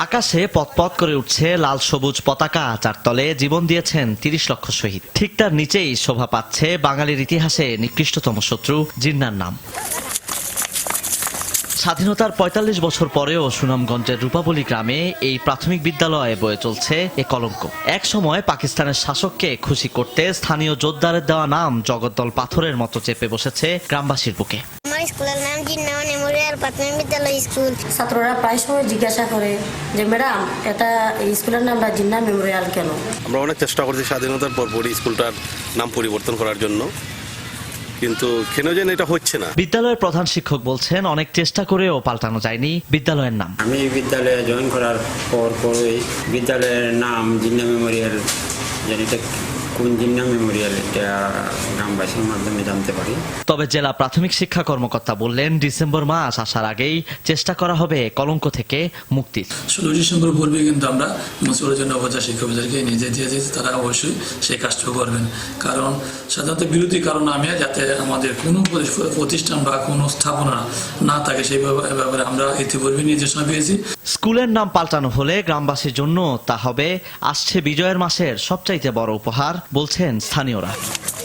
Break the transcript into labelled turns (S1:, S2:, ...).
S1: আকাশে পথ করে উঠছে লাল সবুজ পতাকা, যার তলে জীবন দিয়েছেন ৩০ লক্ষ শহীদ। ঠিক তার নিচেই শোভা পাচ্ছে বাঙালির ইতিহাসে নিকৃষ্টতম শত্রু জিন্নার নাম। স্বাধীনতার ৪৫ বছর পরেও সুনামগঞ্জের রূপাবলী গ্রামে এই প্রাথমিক বিদ্যালয়ে বয়ে চলছে এ কলঙ্ক। এক সময় পাকিস্তানের শাসককে খুশি করতে স্থানীয় যোদ্ধারের দেওয়া নাম জগদ্দল পাথরের মতো চেপে বসেছে গ্রামবাসীর বুকে।
S2: আমার স্কুলের নাম জিন্না মেমোরিয়াল প্রাথমিক বিদ্যালয় স্কুল।
S3: ছাত্ররা প্রায় সময় জিজ্ঞাসা করে যে ম্যাডাম, এটা স্কুলের নামটা জিন্না মেমোরিয়াল কেন?
S4: আমরা অনেক চেষ্টা করছি স্বাধীনতার পরপরই স্কুলটার নাম পরিবর্তন করার জন্য, কিন্তু কেন যেন এটা হচ্ছে না।
S1: বিদ্যালয়ের প্রধান শিক্ষক বলছেন অনেক চেষ্টা করেও পাল্টানো যায়নি বিদ্যালয়ের নাম।
S5: আমি বিদ্যালয়ে জয়েন করার পরই বিদ্যালয়ের নাম জিন্না মেমোরিয়াল, যেটা কোন জিন্না মেমোরিয়াল এটা গ্রামবাসীর মাধ্যমে জানতে পারি।
S1: তবে জেলা প্রাথমিক শিক্ষা কর্মকর্তা বললেন ডিসেম্বর মাস আসার আগেই চেষ্টা করা হবে কলঙ্ক থেকে মুক্তির।
S6: 16 ডিসেম্বর পূর্বে কিন্তু আমরা মুসিবতের জন্য উপজেলা শিক্ষকদেরকে নিজে দিয়ে দিয়েছি, তারা অবশ্যই সেই কাজটা করবেন। কারণ সাধারণত বিরোধী কারণ আমি যাতে আমাদের কোনো প্রতিষ্ঠান বা কোনো স্থাপনা না থাকে সেই ব্যাপারে আমরা ইতিপূর্বে নির্দেশনা পেয়েছি।
S1: স্কুলের নাম পাল্টানো হলে গ্রামবাসীর জন্য তা হবে আসছে বিজয়ের মাসের সবচাইতে বড় উপহার, বলছেন স্থানীয়রা।